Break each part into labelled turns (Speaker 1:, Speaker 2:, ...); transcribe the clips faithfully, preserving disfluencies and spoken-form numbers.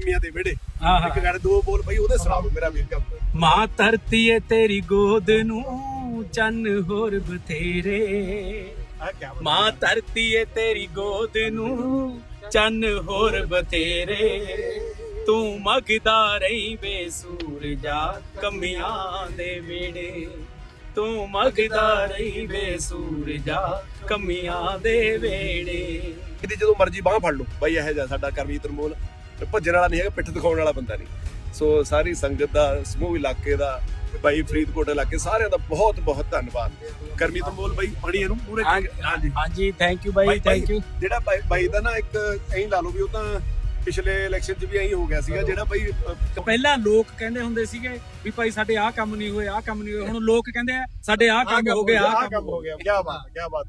Speaker 1: कमियां दे वेड़े एक गाने दो बोल भाई ओदे सुना दो मेरा वीर का।
Speaker 2: मां धरती है तेरी गोद नू चन्न होर बथेरे, मां धरती है तेरी गोद नू चन्न होर बथेरे, तू मगदा रही वे सूरजा कमियां दे वेड़े, तू मगदा रही वे सूरजा कमियां दे वेड़े।
Speaker 1: ਇਹਦੀ ਜਦੋਂ ਮਰਜ਼ੀ ਬਾਹ ਫੜ ਲਓ ਬਾਈ, ਇਹੋ ਜਿਹਾ ਸਾਡਾ ਕਰਮਜੀਤ ਅਨਮੋਲ ਭੱਜਣ ਵਾਲਾ ਨਹੀਂ ਹੈਗਾ, ਪਿੱਠ ਦਿਖਾਉਣ ਵਾਲਾ ਬੰਦਾ ਨਹੀਂ। ਸੋ ਸਾਰੀ ਸੰਗਤ ਦਾ, ਸਮੂਹ ਇਲਾਕੇ ਦਾ, ਬਾਈ ਫਰੀਦਕੋਟ ਇਲਾਕੇ ਸਾਰਿਆਂ ਦਾ ਬਹੁਤ ਬਹੁਤ ਧੰਨਵਾਦ। ਕਰਮਜੀਤ ਅਨਮੋਲ ਬਾਈ ਪੜੀ ਇਹਨੂੰ ਪੂਰੇ।
Speaker 2: ਹਾਂਜੀ ਹਾਂਜੀ ਥੈਂਕ ਯੂ ਬਾਈ, ਥੈਂਕ ਯੂ।
Speaker 1: ਜਿਹੜਾ ਬਾਈ ਦਾ ਨਾ ਇੱਕ ਐਂ ਲਾ ਲਓ ਵੀ ਉਹ ਤਾਂ ਪਿਛਲੇ ਇਲੈਕਸ਼ਨ 'ਚ ਵੀ ਐਂ ਹੋ ਗਿਆ ਸੀਗਾ, ਜਿਹੜਾ ਬਾਈ
Speaker 2: ਪਹਿਲਾਂ ਲੋਕ ਕਹਿੰਦੇ ਹੁੰਦੇ ਸੀਗੇ ਵੀ ਭਾਈ ਸਾਡੇ ਆਹ ਕੰਮ ਨਹੀਂ ਹੋਏ, ਆਹ ਕੰਮ ਨਹੀਂ ਹੋਏ, ਹੁਣ ਲੋਕ ਕਹਿੰਦੇ ਆ ਸਾਡੇ ਆਹ ਕੰਮ ਹੋ ਗਿਆ, ਆਹ ਕੰਮ ਹੋ ਗਿਆ।
Speaker 1: ਕੀ ਬਾਤ ਕੀ ਬਾਤ।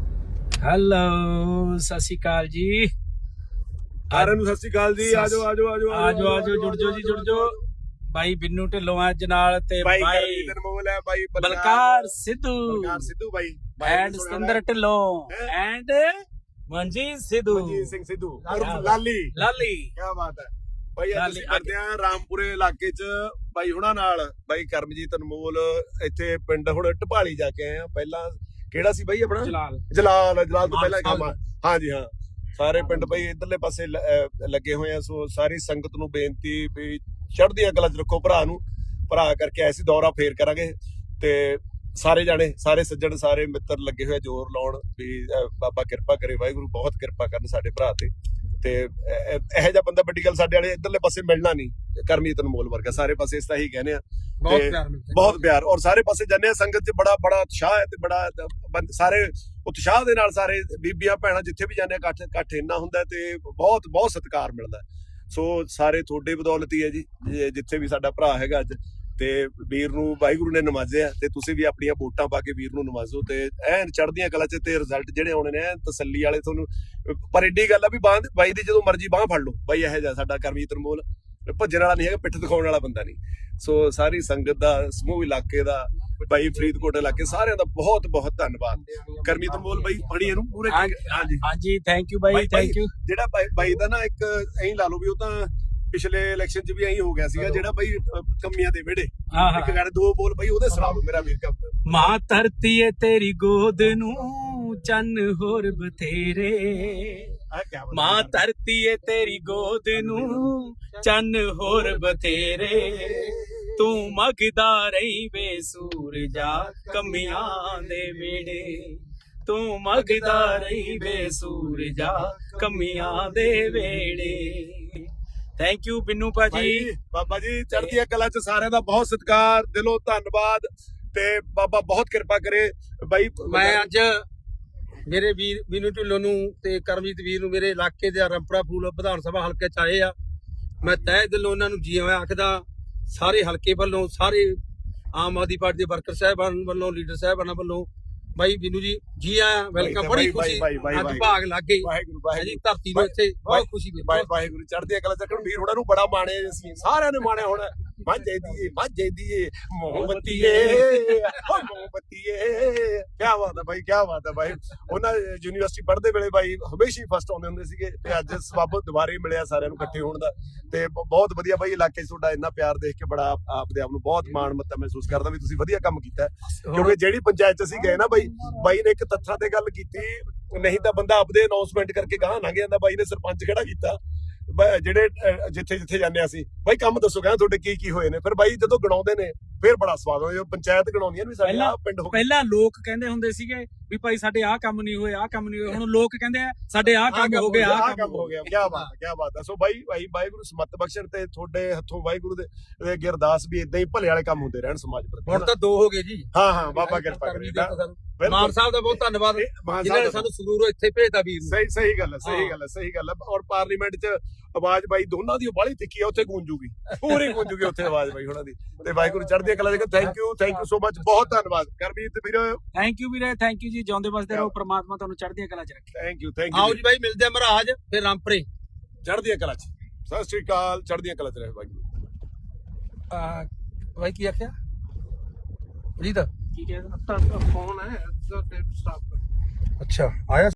Speaker 2: ਹੈਲੋ ਸਤਿ ਸ਼੍ਰੀ ਅਕਾਲ ਜੀ
Speaker 1: ਸਾਰਿਆਂ ਨੂੰ, ਸਤਿ ਸ਼੍ਰੀ ਅਕਾਲ ਜੀ। ਆਜੋ ਆਜੋ ਆਜੋ
Speaker 2: ਆਜੋ ਆਜੋ ਜੁੜ ਜਾਓ ਜੀ, ਜੁੜ ਜਾਓ। ਬਾਈ ਬਿੰਨੂ ਢਿੱਲੋਂ ਅੱਜ ਨਾਲ ਤੇ ਬਾਈ
Speaker 1: ਅਨਮੋਲ ਹੈ, ਬਾਈ
Speaker 2: ਬਲਕਾਰ ਸਿੱਧੂ,
Speaker 1: ਬਲਕਾਰ ਸਿੱਧੂ ਬਾਈ
Speaker 2: ਐਂਡ ਸਤਿੰਦਰ ਢਿੱਲੋਂ ਐਂਡ ਮਨਜੀਤ ਸਿੱਧੂ,
Speaker 1: ਮਨਜੀਤ ਸਿੰਘ ਸਿੱਧੂ ਔਰ ਲਾਲੀ
Speaker 2: ਲਾਲੀ।
Speaker 1: ਕੀ ਬਾਤ ਹੈ ਬਾਈ। ਅੱਜ ਅਸੀਂ ਕਰਦੇ ਆ ਰਾਮਪੁਰੇ ਇਲਾਕੇ 'ਚ ਬਾਈ ਹੁਣਾਂ ਨਾਲ। ਬਾਈ ਕਰਮਜੀਤ ਅਨਮੋਲ ਇੱਥੇ ਪਿੰਡ ਹੁਣ ਢਪਾਲੀ ਜਾ ਕੇ ਆਏ ਆ। ਪਹਿਲਾਂ ਕਿਹੜਾ ਸੀ ਬਾਈ ਆਪਣਾ? ਜਲਾਲ। ਜਲਾਲ ਜਲਾਲ ਤੋਂ ਪਹਿਲਾਂ ਕੰਮ। ਹਾਂਜੀ ਹਾਂ, ਸਾਰੇ ਪਿੰਡ ਬਾਈ ਇਧਰਲੇ ਪਾਸੇ ਲੱਗੇ ਹੋਏ ਆ। ਸੋ ਸਾਰੀ ਸੰਗਤ ਨੂੰ ਬੇਨਤੀ ਵੀ ਚੜ੍ਹਦੀਆਂ ਕਲਾਂ 'ਚ ਰੱਖੋ ਭਰਾ ਨੂੰ। ਭਰਾ ਕਰਕੇ ਐਸੀ ਦੌਰਾ ਫੇਰ ਕਰਾਂਗੇ ਤੇ ਸਾਰੇ ਜਾਣੇ, ਸਾਰੇ ਸੱਜਣ, ਸਾਰੇ ਮਿੱਤਰ ਲੱਗੇ ਹੋਏ ਜ਼ੋਰ ਲਾਉਣ ਵੀ ਬਾਬਾ ਕਿਰਪਾ ਕਰੇ, ਵਾਹਿਗੁਰੂ ਬਹੁਤ ਕਿਰਪਾ ਕਰਨ ਸਾਡੇ ਭਰਾ ਤੇ। ਤੇ ਇਹੋ ਜਿਹਾ ਬੰਦਾ ਵੱਡੀ ਗੱਲ ਸਾਡੇ ਵਾਲੇ ਇਧਰਲੇ ਪਾਸੇ ਮਿਲਣਾ ਨਹੀਂ, ਕਰਮਜੀਤ ਅਨਮੋਲ ਵਰਗਾ। ਸਾਰੇ ਪਾਸੇ ਇਸ ਤਰ੍ਹਾਂ ਹੀ ਕਹਿੰਦੇ ਆ, ਬਹੁਤ ਪਿਆਰ। ਔਰ ਸਾਰੇ ਪਾਸੇ ਜਾਂਦੇ ਆ, ਸੰਗਤ 'ਚ ਬੜਾ ਬੜਾ ਉਤਸ਼ਾਹ ਹੈ ਤੇ ਬੜਾ ਸਾਰੇ ਉਤਸ਼ਾਹ ਦੇ ਨਾਲ ਸਾਰੇ ਬੀਬੀਆਂ ਭੈਣਾਂ ਜਿੱਥੇ ਵੀ ਜਾਂਦੇ ਆ, ਇਕੱਠ ਇਕੱਠ ਇੰਨਾ ਹੁੰਦਾ ਤੇ ਬਹੁਤ ਬਹੁਤ ਸਤਿਕਾਰ ਮਿਲਦਾ। ਸੋ ਸਾਰੇ ਤੁਹਾਡੇ ਬਦੌਲਤ ਹੀ ਹੈ ਜੀ, ਜਿੱਥੇ ਵੀ ਸਾਡਾ ਭਰਾ ਹੈਗਾ ਅੱਜ। ਤੇ ਵੀਰ ਨੂੰ ਵਾਹਿਗੁਰੂ ਨੇ ਨਵਾਜ਼ਿਆ ਤੇ ਤੁਸੀਂ ਵੀ ਆਪਣੀਆਂ ਵੋਟਾਂ ਪਾ ਕੇ ਵੀਰ ਨੂੰ ਨਵਾਜ਼ੋ ਤੇ ਐਨ ਚੜ੍ਹਦੀਆਂ ਕਲਾਂ 'ਚ ਤੇ ਰਿਜ਼ਲਟ ਜਿਹੜੇ ਆਉਣੇ ਨੇ ਐਨ ਤਸੱਲੀ ਵਾਲੇ ਤੁਹਾਨੂੰ। ਪਰ ਏਡੀ ਗੱਲ ਆ ਵੀ ਬਾਹ ਬਾਈ ਦੀ ਜਦੋਂ ਮਰਜ਼ੀ ਬਾਹ ਫੜ ਲਓ ਬਾਈ, ਇਹੋ ਜਿਹਾ ਸਾਡਾ ਕਰਮਜੀਤ ਅਨਮੋਲ ਭੱਜਣ ਵਾਲਾ ਨਹੀਂ ਹੈਗਾ, ਪਿੱਠ ਦਿਖਾਉਣ ਵਾਲਾ ਬੰਦਾ ਨਹੀਂ। ਸੋ ਸਾਰੀ ਸੰਗਤ ਦਾ, ਸਮੂਹ ਇਲਾਕੇ ਦਾ, ਬਾਈ ਫਰੀਦਕੋਟ ਇਲਾਕੇ ਸਾਰਿਆਂ ਦਾ ਬਹੁਤ ਬਹੁਤ ਧੰਨਵਾਦ। ਕਰਮਜੀਤ ਅਨਮੋਲ ਬਾਈ ਪੜੀ ਇਹਨੂੰ ਪੂਰੇ। ਹਾਂਜੀ
Speaker 2: ਹਾਂਜੀ ਥੈਂਕ ਯੂ ਬਾਈ, ਥੈਂਕ ਯੂ।
Speaker 1: ਜਿਹੜਾ ਬਾਈ ਦਾ ਨਾ ਇੱਕ ਐਂ ਲਾ ਲਓ ਵੀ ਉਹ ਤਾਂ ਪਿਛਲੇ ਇਲੈਕਸ਼ਨ 'ਚ ਵੀ ਐਂ ਹੋ ਗਿਆ ਸੀਗਾ, ਜਿਹੜਾ ਬਾਈ ਕਮੀਆਂ ਦੇ ਵਿਹੜੇ ਇੱਕ ਗਾਣੇ ਦੋ ਬੋਲ ਬਾਈ ਉਹਦੇ ਸੁਣਾ ਦਿਓ ਮੇਰਾ ਵੀਰ।
Speaker 2: ਮਾਂ ਧਰਤੀ ਹੈ ਤੇਰੀ ਗੋਦ ਨੂੰ ਚੰਨ ਹੋਰ ਬਥੇਰੇ, ਮਾਂ ਧਰਤੀ ਹੈ ਤੇਰੀ ਗੋਦ ਨੂੰ ਚੰਨ ਹੋਰ ਬਥੇਰੇ, ਤੂੰ ਮਗਦਾ ਰਹੀ ਵੇ ਸੂਰਜਾ ਕਮੀਆਂ ਦੇ ਵੇੜੇ, ਤੂੰ ਮਗਦਾ ਰਹੀ ਵੇ ਸੂਰਜਾ ਕਮੀਆਂ ਦੇ ਵੇੜੇ। ਥੈਂਕ ਯੂ ਬਿੰਨੂ ਭਾਜੀ।
Speaker 1: ਬਾਬਾ ਜੀ ਚੜ੍ਹਦੀਆਂ ਕਲਾਂ 'ਚ ਸਾਰਿਆਂ ਦਾ ਬਹੁਤ ਸਤਿਕਾਰ, ਦਿਲੋਂ ਧੰਨਵਾਦ ਤੇ ਬਾਬਾ ਬਹੁਤ ਕਿਰਪਾ ਕਰੇ ਬਾਈ।
Speaker 3: ਮੈਂ ਅੱਜ ਮੇਰੇ ਵੀਰ ਬਿੰਨੂ ਢਿੱਲੋਂ ਨੂੰ ਤੇ ਕਰਮਜੀਤ ਵੀਰ ਨੂੰ ਮੇਰੇ ਇਲਾਕੇ ਦੇ ਰੰਪੜਾ ਫੂਲ ਵਿਧਾਨ ਸਭਾ ਹਲਕੇ 'ਚ ਆਏ ਆ। ਮੈਂ ਤਹਿ ਦਿਲੋਂ ਉਹਨਾਂ ਨੂੰ ਜੀ ਆਇਆਂ ਆਖਦਾ, ਸਾਰੇ ਹਲਕੇ ਵੱਲੋਂ, ਸਾਰੇ ਆਮ ਆਦਮੀ ਪਾਰਟੀ ਦੇ ਵਰਕਰ ਸਾਹਿਬਾਨ ਵੱਲੋਂ, ਲੀਡਰ ਸਾਹਿਬਾਨਾਂ ਵੱਲੋਂ। ਬਾਈ ਬਿੰਨੂ ਜੀ ਜੀ ਆਇਆਂ, ਵੈਲਕਮ। ਬੜੀ ਖੁਸ਼ੀ ਅੱਜ ਭਾਗ ਲੱਗ ਗਈ ਜੀ ਧਰਤੀ ਨੂੰ, ਇੱਥੇ ਬਹੁਤ ਖੁਸ਼ੀ ਮਿਲੀ।
Speaker 1: ਵਾਹਿਗੁਰੂ ਚੜ੍ਹਦੀਆਂ ਕਲਾਂ 'ਚ ਰੱਖਣ। ਵੀਰ ਹੋਣਾ ਨੂੰ ਬੜਾ ਮਾਣੇ ਅਸੀਂ, ਸਾਰਿਆਂ ਨੇ ਮਾਣਿਆ ਹੁਣ। ਮਾਝੇ ਦੀਏ ਮਾਝੇ ਦੀਏ ਮੋਹਬਤੀਏ ਮੋਹਬਤੀਏ। ਕੀ ਬਾਤ ਹੈ ਬਾਈ, ਕੀ ਬਾਤ ਹੈ ਬਾਈ। ਉਹਨਾਂ ਯੂਨੀਵਰਸਿਟੀ ਪੜ੍ਹਦੇ ਵੇਲੇ ਬਾਈ ਹਮੇਸ਼ਾ ਹੀ ਫਸਟ ਆਉਂਦੇ ਹੁੰਦੇ ਸੀਗੇ ਤੇ ਅੱਜ ਸਬੱਬ ਦੁਬਾਰੇ ਮਿਲਿਆ ਸਾਰਿਆਂ ਨੂੰ ਇਕੱਠੇ ਹੋਣ ਦਾ ਤੇ ਬਹੁਤ ਵਧੀਆ ਬਾਈ। ਇਲਾਕੇ 'ਚ ਤੁਹਾਡਾ ਇੰਨਾ ਪਿਆਰ ਦੇਖ ਕੇ ਬੜਾ ਆਪਦੇ ਆਪ ਨੂੰ ਬਹੁਤ ਮਾਣ ਮੱਤਾ ਮਹਿਸੂਸ ਕਰਦਾ ਵੀ ਤੁਸੀਂ ਵਧੀਆ ਕੰਮ ਕੀਤਾ। ਕਿਉਂਕਿ ਜਿਹੜੀ ਪੰਚਾਇਤ 'ਚ ਅਸੀਂ ਗਏ ਨਾ ਬਾਈ, ਬਾਈ ਨੇ ਇੱਕ ਤੱਥਾਂ ਤੇ ਗੱਲ ਕੀਤੀ, ਨਹੀਂ ਤਾਂ ਬੰਦਾ ਆਪਦੇ ਅਨਾਉਂਸਮੈਂਟ ਕਰਕੇ ਗਾਹ ਲੰਘ ਜਾਂਦਾ। ਬਾਈ ਨੇ ਸਰਪੰਚ ਖੜਾ ਕੀਤਾ, ਜਿਹੜੇ ਜਿੱਥੇ ਜਿੱਥੇ ਜਾਂਦੇ ਅਸੀਂ, ਬਾਈ ਕੰਮ ਦੱਸੋ ਕਹਿੰਦਾ ਤੁਹਾਡੇ ਕੀ ਕੀ ਹੋਏ ਨੇ। ਫਿਰ ਬਾਈ ਜਦੋਂ ਗਣਾਉਂਦੇ ਨੇ ਫਿਰ ਬੜਾ ਸਵਾਦ ਆਉਂਦਾ, ਪੰਚਾਇਤ ਗਣਾਉਂਦੀਆਂ ਵੀ ਸਾਡੇ ਆਹ ਪਿੰਡ ਹੋ।
Speaker 2: ਪਹਿਲਾਂ ਲੋਕ ਕਹਿੰਦੇ ਹੁੰਦੇ ਸੀਗੇ ਵੀ ਭਾਈ ਸਾਡੇ ਆਹ ਕੰਮ ਨਹੀਂ ਹੋਏ, ਆਹ ਕੰਮ ਨਹੀਂ ਹੋਏ, ਹੁਣ ਲੋਕ ਕਹਿੰਦੇ ਆ ਸਾਡੇ ਆਹ ਕੰਮ ਹੋ ਗਿਆ, ਆਹ ਕੰਮ ਹੋ ਗਿਆ।
Speaker 1: ਕੀ ਬਾਤ ਹੈ, ਕੀ ਬਾਤ ਹੈ। ਸੋ ਬਾਈ ਬਾਈ ਵਾਹਿਗੁਰੂ ਸਮੱਤ ਬਖਸ਼ਣ ਤੇ ਤੁਹਾਡੇ ਹੱਥੋਂ ਵਾਹਿਗੁਰੂ ਦੇ ਅੱਗੇ ਅਰਦਾਸ ਵੀ ਇਦਾਂ ਹੀ ਭਲੇ ਵਾਲੇ ਕੰਮ ਹੁੰਦੇ ਰਹਿਣ ਸਮਾਜ ਪ੍ਰਤੀ।
Speaker 3: ਹੁਣ ਤਾਂ ਦੋ ਹੋ ਗਏ ਜੀ।
Speaker 1: ਹਾਂ ਹਾਂ ਬਾਬਾ ਕਿਰਪਾ ਕਰੇ।
Speaker 3: ਮਾਨ ਸਾਹਿਬ ਦਾ ਬਹੁਤ ਧੰਨਵਾਦ, ਜਿਨ੍ਹਾਂ ਨੇ ਸਾਨੂੰ ਸੰਗਰੂਰੋਂ ਇੱਥੇ ਭੇਜਤਾ ਵੀਰ ਨੂੰ।
Speaker 1: ਸਹੀ ਸਹੀ ਗੱਲ ਹੈ, ਸਹੀ ਗੱਲ ਹੈ, ਸਹੀ ਗੱਲ ਹੈ। ਔਰ ਪਾਰਲੀਮੈਂਟ 'ਚ ਆਵਾਜ਼ ਬਾਈ ਦੋਨਾਂ ਦੀ ਬਾਹਲੀ ਤਿੱਖੀ ਆ, ਉੱਥੇ ਗੂੰਜੂਗੀ, ਪੂਰੀ ਗੂੰਜੂਗੀ ਉੱਥੇ ਆਵਾਜ਼ ਬਾਈ ਉਹਨਾਂ ਦੀ। ਤੇ ਵਾਹਿਗੁਰੂ ਚੜ੍ਹਦੀਆਂ ਕਲਾਂ 'ਚ। Thank you, thank you so much, ਬਹੁਤ ਧੰਨਵਾਦ ਕਰਮਜੀਤ ਵੀਰ।
Speaker 2: ਥੈਂਕ ਯੂ ਵੀਰੇ, ਥੈਂਕ ਯੂ ਜੀ। ਜਿਉਂਦੇ ਵਸਦੇ ਰਹੋ, ਪ੍ਰਮਾਤਮਾ ਤੁਹਾਨੂੰ ਚੜ੍ਹਦੀਆਂ ਕਲਾਂ 'ਚ ਰੱਖੇ।
Speaker 1: Thank you, thank you.
Speaker 3: ਆਓ ਜੀ ਬਾਈ ਮਿਲਦੇ ਆ ਮਹਾਰਾਜ ਫਿਰ ਰਾਮਪੁਰੇ।
Speaker 1: ਚੜ੍ਹਦੀਆਂ ਕਲਾਂ 'ਚ। ਸਤਿ ਸ਼੍ਰੀ ਅਕਾਲ, ਚੜ੍ਹਦੀਆਂ ਕਲਾਂ 'ਚ ਰਹੇ ਵਾਹਿਗੁਰੂ।
Speaker 3: ਬਾਈ ਕੀ ਆਖਿਆ ਜੀਤ?
Speaker 2: ਕੀ ਕਹਿੰਦਾ
Speaker 3: ਫੋਨ ਹੈ। ਅੱਛਾ ਆਇਆ।